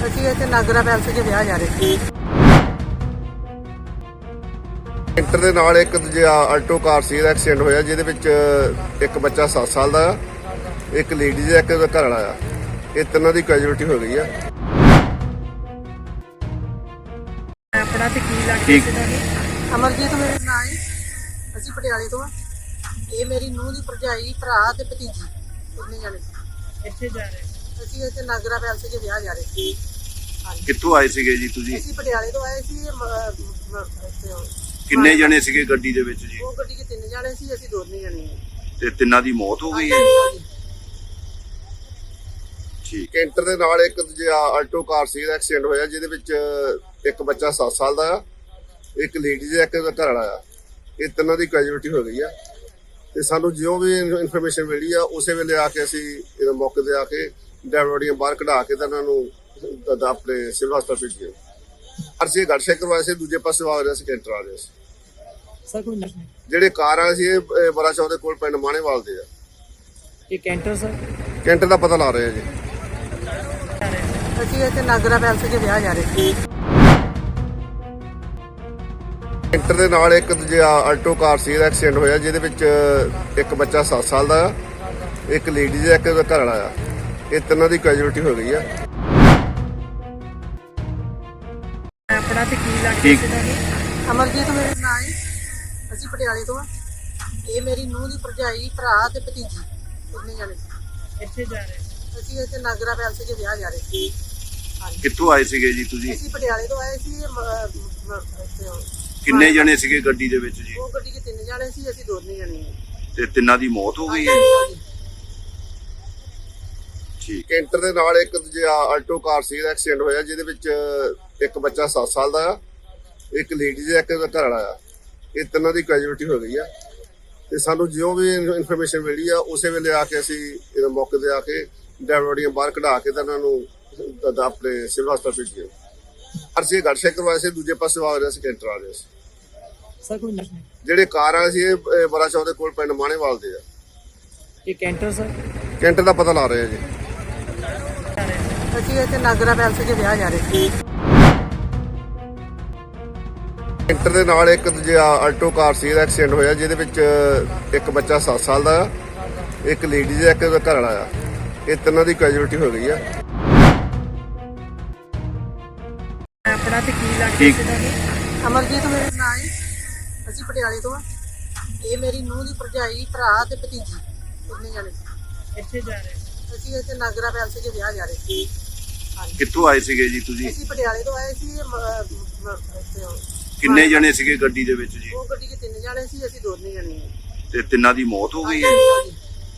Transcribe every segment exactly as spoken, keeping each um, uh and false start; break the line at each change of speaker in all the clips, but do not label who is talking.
ਅਸੀਂ ਇੱਥੇ ਨਾਗਰਾ ਪੈਲਸ 'ਚ ਵਿਆਹ ਜਾ ਰਹੇ ਸੀ।
ਇੰਟਰ ਦੇ ਨਾਲ ਇੱਕ ਦੂਜਾ ਆਲਟੋ ਕਾਰ ਸੀ ਦਾ ਐਕਸੀਡੈਂਟ ਹੋਇਆ, ਜਿਹਦੇ ਵਿੱਚ ਇੱਕ ਬੱਚਾ ਸੱਤ ਸਾਲ ਦਾ ਆ, ਇੱਕ ਲੇਡੀ ਦਾ, ਇੱਕ ਉਹਦਾ ਘਰ ਵਾਲਾ ਆ। ਇਹ ਤਿੰਨਾਂ ਦੀ ਕੈਜੂਅਲਟੀ ਹੋ ਗਈ ਆ।
ਆਪਣਾ ਤੇ ਕੀ ਲੱਗਦਾ ਸੀ ਤੁਹਾਨੂੰ? ਅਮਰਜੀਤ ਮੇਰੇ ਨਾਂ ਹੈ। ਅਸੀਂ ਪਟਿਆਲੇ ਤੋਂ ਆ। ਇਹ ਮੇਰੀ ਨੂੰਹ ਦੀ ਭਰਜਾਈ, ਭਰਾ ਤੇ ਭਤੀਜੀ ਕਿੰਨੇ ਜਾਣੇ ਇੱਥੇ ਜਾ ਰਹੇ। ਅਸੀਂ ਇੱਥੇ ਨਾਗਰਾ ਪੈਲਸ 'ਚ ਵਿਆਹ ਜਾ ਰਹੇ ਸੀ।
ਕਿੱਥੋਂ ਆਏ ਸੀਗੇ ਜੀ ਤੁਸੀਂ?
ਅਸੀਂ ਪਟਿਆਲੇ ਤੋਂ ਆਏ ਸੀ। ਮ- ਮ- ਇੱਥੇ ਉਹ-
ਕਿੰਨੇ ਜਣੇ ਸੀਗੇ ਗੱਡੀ ਦੇ ਵਿੱਚ ਜੀ?
ਉਹ ਗੱਡੀ 'ਚ ਤਿੰਨ ਜਾਣੇ ਸੀ, ਅਸੀਂ ਦੋਨੇ ਜਾਣੇ ਹਾਂ।
ਤੇ ਤਿੰਨਾਂ ਦੀ ਮੌਤ ਹੋ ਗਈ ਹੈ?
ਹਾਂਜੀ।
ਠੀਕ।
ਇੰਟਰ ਦੇ ਨਾਲ ਇੱਕ ਦੂਜਾ ਆਲਟੋ ਕਾਰ ਸੀ ਦਾ ਐਕਸੀਡੈਂਟ ਹੋਇਆ, ਜਿਹਦੇ ਵਿੱਚ ਇੱਕ ਬੱਚਾ ਸੱਤ ਸਾਲ ਦਾ ਆ, ਇੱਕ ਲੇਡੀ ਦਾ, ਇੱਕ ਉਹਦਾ ਘਰ ਵਾਲਾ ਆ। ਇਹ ਤਿੰਨਾਂ ਦੀ ਕੈਜੂਅਲਟੀ ਹੋ ਗਈ ਆ। ਤੇ ਸਾਨੂੰ ਜਿਉਂ ਵੀ ਇਨਫੋਰਮੇਸ਼ਨ ਮਿਲੀ ਆ, ਉਸੇ ਵੇਲੇ ਆ ਕੇ ਅਸੀਂ ਇਹਦੇ ਮੌਕੇ ਤੇ ਆ ਕੇ ਡੈਡ ਬੋਡੀਆਂ ਬਾਹਰ ਕਢਾ ਕੇ ਤਾਂ ਇਹਨਾਂ ਨੂੰ ਦ- ਆਪਣੇ ਸਿਵਲ ਹਸਪਤਾਲ ਭੇਜਿਆ। ਅਸੀਂ ਗੱਡ ਚੈੱਕ ਕਰਵਾਇਆ ਸੀ, ਦੂਜੇ ਪਾਸੇ ਆ ਰਿਹਾ ਸੀ, ਕੈਂਟਰ ਆ ਰਿਹਾ ਸੀ।
ਸਰ ਕੋਈ ਨਹੀਂ।
ਜਿਹੜੇ ਕਾਰ ਵਾਲੇ ਸੀ ਇਹ ਬੜਾ ਚੌਦੇ ਕੋਲ ਪਿੰਡ ਮਾਣੇਵਾਲ ਦੇ ਆ।
ਇਹ ਕੈਂਟਰ ਸਰ
ਕੈਂਟਰ ਦਾ ਪਤਾ ਲਾ ਰਹੇ ਆ ਜੀ।
ਅਸੀਂ ਇੱਥੇ ਨਾਗਰਾ ਪੈਲਸ 'ਚ ਵਿਆਹ ਜਾ ਰਹੇ ਸੀ।
ਇੰਟਰ ਦੇ ਨਾਲ ਇੱਕ ਦੂਜਾ ਆਲਟੋ ਕਾਰ ਸੀ ਦਾ ਐਕਸੀਡੈਂਟ ਹੋਇਆ, ਜਿਹਦੇ ਵਿੱਚ ਇੱਕ ਬੱਚਾ ਸੱਤ ਸਾਲ ਦਾ ਆ, ਇੱਕ ਲੇਡੀ ਦਾ, ਇੱਕ ਉਹਦਾ ਘਰ ਵਾਲਾ ਆ। ਇਹ ਤਿੰਨਾਂ ਦੀ ਕੈਜੂਅਲਟੀ ਹੋ ਗਈ ਆ।
ਆਪਣਾ ਤੇ ਕੀ ਲੱਗਦਾ ਸੀ ਤੁਹਾਨੂੰ? ਅਮਰਜੀਤ ਮੇਰੇ ਨਾਂ ਹੈ। ਅਸੀਂ ਪਟਿਆਲੇ ਤੋਂ ਆ। ਇਹ ਮੇਰੀ ਨੂੰਹ ਦੀ ਭਰਜਾਈ, ਭਰਾ ਤੇ ਭਤੀਜੀ ਕਿੰਨੇ ਜਾਣੇ ਇੱਥੇ ਜਾ ਰਹੇ। ਅਸੀਂ ਇੱਥੇ ਨਾਗਰਾ ਪੈਲਸ 'ਚ ਵਿਆਹ ਜਾ ਰਹੇ ਸੀ।
ਕਿੱਥੋਂ ਆਏ ਸੀਗੇ ਜੀ ਤੁਸੀਂ?
ਅਸੀਂ ਪਟਿਆਲੇ ਤੋਂ ਆਏ ਸੀ। ਮ- ਮ- ਇੱਥੇ ਉਹ-
ਕਿੰਨੇ ਜਣੇ ਸੀਗੇ ਗੱਡੀ ਦੇ ਵਿੱਚ ਜੀ?
ਉਹ ਗੱਡੀ 'ਚ ਤਿੰਨ ਜਾਣੇ ਸੀ, ਅਸੀਂ ਦੋਨੇ ਜਾਣੇ ਹਾਂ।
ਤੇ ਤਿੰਨਾਂ ਦੀ ਮੌਤ ਹੋ ਗਈ ਹੈ?
ਹਾਂਜੀ।
ਠੀਕ।
ਕੈਂਟਰ ਦੇ ਨਾਲ ਇੱਕ ਦੂਜਾ ਆਲਟੋ ਕਾਰ ਸੀ ਦਾ ਐਕਸੀਡੈਂਟ ਹੋਇਆ, ਜਿਹਦੇ ਵਿੱਚ ਇੱਕ ਬੱਚਾ ਸੱਤ ਸਾਲ ਦਾ ਆ, ਇੱਕ ਲੇਡੀ ਦਾ, ਇੱਕ ਉਹਦਾ ਘਰ ਵਾਲਾ ਆ। ਇਹ ਤਿੰਨਾਂ ਦੀ ਕੈਜੂਅਲਟੀ ਹੋ ਗਈ ਆ। ਤੇ ਸਾਨੂੰ ਜਿਉਂ ਵੀ ਇਨਫੋਰਮੇਸ਼ਨ ਮਿਲੀ ਆ, ਉਸੇ ਵੇਲੇ ਆ ਕੇ ਅਸੀਂ ਇਹਦੇ ਮੌਕੇ ਤੇ ਆ ਕੇ ਡੈਡ ਬੋਡੀਆਂ ਬਾਹਰ ਕਢਾ ਕੇ ਤਾਂ ਇਹਨਾਂ ਨੂੰ ਦ- ਆਪਣੇ ਸਿਵਲ ਹਸਪਤਾਲ ਭੇਜਿਆ। ਅਸੀਂ ਗੱਡ ਚੈੱਕ ਕਰਵਾਇਆ ਸੀ, ਦੂਜੇ ਪਾਸੇ ਆ ਰਿਹਾ ਸੀ, ਕੈਂਟਰ ਆ ਰਿਹਾ ਸੀ।
ਸਰ ਕੋਈ ਨਹੀਂ।
ਜਿਹੜੇ ਕਾਰ ਵਾਲੇ ਸੀ ਇਹ ਬੜਾ ਚੌਦੇ ਕੋਲ ਪਿੰਡ ਮਾਣੇਵਾਲ ਦੇ ਆ।
ਇਹ ਕੈਂਟਰ ਸਰ
ਕੈਂਟਰ ਦਾ ਪਤਾ ਲਾ ਰਹੇ ਆ ਜੀ।
ਅਸੀਂ ਇੱਥੇ ਨਾਗਰਾ ਪੈਲਸ 'ਚ ਵਿਆਹ ਜਾ ਰਹੇ ਸੀ।
ਇੰਟਰ ਦੇ ਨਾਲ ਇੱਕ ਦੂਜਾ ਆਲਟੋ ਕਾਰ ਸੀ ਦਾ ਐਕਸੀਡੈਂਟ ਹੋਇਆ, ਜਿਹਦੇ ਵਿੱਚ ਇੱਕ ਬੱਚਾ ਸੱਤ ਸਾਲ ਦਾ ਆ, ਇੱਕ ਲੇਡੀ ਦਾ, ਇੱਕ ਉਹਦਾ ਘਰ ਵਾਲਾ ਆ। ਇਹ ਤਿੰਨਾਂ ਦੀ ਕੈਜੂਅਲਟੀ ਹੋ ਗਈ ਆ।
ਆਪਣਾ ਤੇ ਕੀ ਲੱਗਦਾ ਸੀ ਤੁਹਾਨੂੰ? ਅਮਰਜੀਤ ਮੇਰੇ ਨਾਂ ਹੈ। ਅਸੀਂ ਪਟਿਆਲੇ ਤੋਂ ਆ। ਇਹ ਮੇਰੀ ਨੂੰਹ ਦੀ ਭਰਜਾਈ, ਭਰਾ ਤੇ ਭਤੀਜੀ ਕਿੰਨੇ ਜਾਣੇ ਇੱਥੇ ਜਾ ਰਹੇ। ਅਸੀਂ ਇੱਥੇ ਨਾਗਰਾ ਪੈਲਸ 'ਚ ਵਿਆਹ ਜਾ ਰਹੇ ਸੀ।
ਕਿੱਥੋਂ ਆਏ ਸੀਗੇ ਜੀ ਤੁਸੀਂ?
ਅਸੀਂ ਪਟਿਆਲੇ ਤੋਂ ਆਏ ਸੀ। ਮ- ਮ- ਇੱਥੇ ਉਹ-
ਕਿੰਨੇ ਜਣੇ ਸੀਗੇ ਗੱਡੀ ਦੇ ਵਿੱਚ ਜੀ?
ਉਹ ਗੱਡੀ 'ਚ ਤਿੰਨ ਜਾਣੇ ਸੀ, ਅਸੀਂ ਦੋਨੇ ਜਾਣੇ ਹਾਂ।
ਤੇ ਤਿੰਨਾਂ ਦੀ ਮੌਤ ਹੋ ਗਈ ਹੈ?
ਹਾਂਜੀ।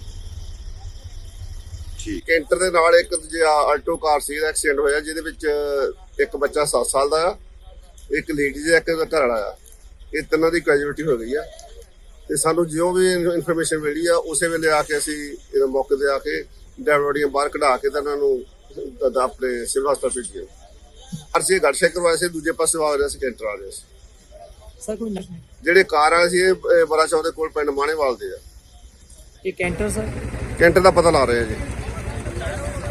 ਠੀਕ।
ਕੈਂਟਰ ਦੇ ਨਾਲ ਇੱਕ ਦੂਜਾ ਆਲਟੋ ਕਾਰ ਸੀ ਦਾ ਐਕਸੀਡੈਂਟ ਹੋਇਆ, ਜਿਹਦੇ ਵਿੱਚ ਇੱਕ ਬੱਚਾ ਸੱਤ ਸਾਲ ਦਾ ਆ, ਇੱਕ ਲੇਡੀ ਦਾ, ਇੱਕ ਉਹਦਾ ਘਰ ਵਾਲਾ ਆ। ਇਹ ਤਿੰਨਾਂ ਦੀ ਕੈਜੂਅਲਟੀ ਹੋ ਗਈ ਆ। ਤੇ ਸਾਨੂੰ ਜਿਉਂ ਵੀ ਇਨਫੋਰਮੇਸ਼ਨ ਮਿਲੀ ਆ, ਉਸੇ ਵੇਲੇ ਆ ਕੇ ਅਸੀਂ ਇਹਦੇ ਮੌਕੇ ਤੇ ਆ ਕੇ ਡੈਡ ਬੋਡੀਆਂ ਬਾਹਰ ਕਢਾ ਕੇ ਤਾਂ ਇਹਨਾਂ ਨੂੰ ਦ- ਆਪਣੇ ਸਿਵਲ ਹਸਪਤਾਲ ਭੇਜਿਆ। ਅਸੀਂ ਗੱਡ ਚੈੱਕ ਕਰਵਾਇਆ ਸੀ, ਦੂਜੇ ਪਾਸੇ ਆ ਰਿਹਾ ਸੀ, ਕੈਂਟਰ ਆ ਰਿਹਾ ਸੀ।
ਸਰ ਕੋਈ ਨਹੀਂ।
ਜਿਹੜੇ ਕਾਰ ਵਾਲੇ ਸੀ ਇਹ ਬੜਾ ਚੌਦੇ ਕੋਲ ਪਿੰਡ ਮਾਣੇਵਾਲ ਦੇ ਆ।
ਇਹ ਕੈਂਟਰ ਸਰ
ਕੈਂਟਰ ਦਾ ਪਤਾ ਲਾ ਰਹੇ ਆ ਜੀ।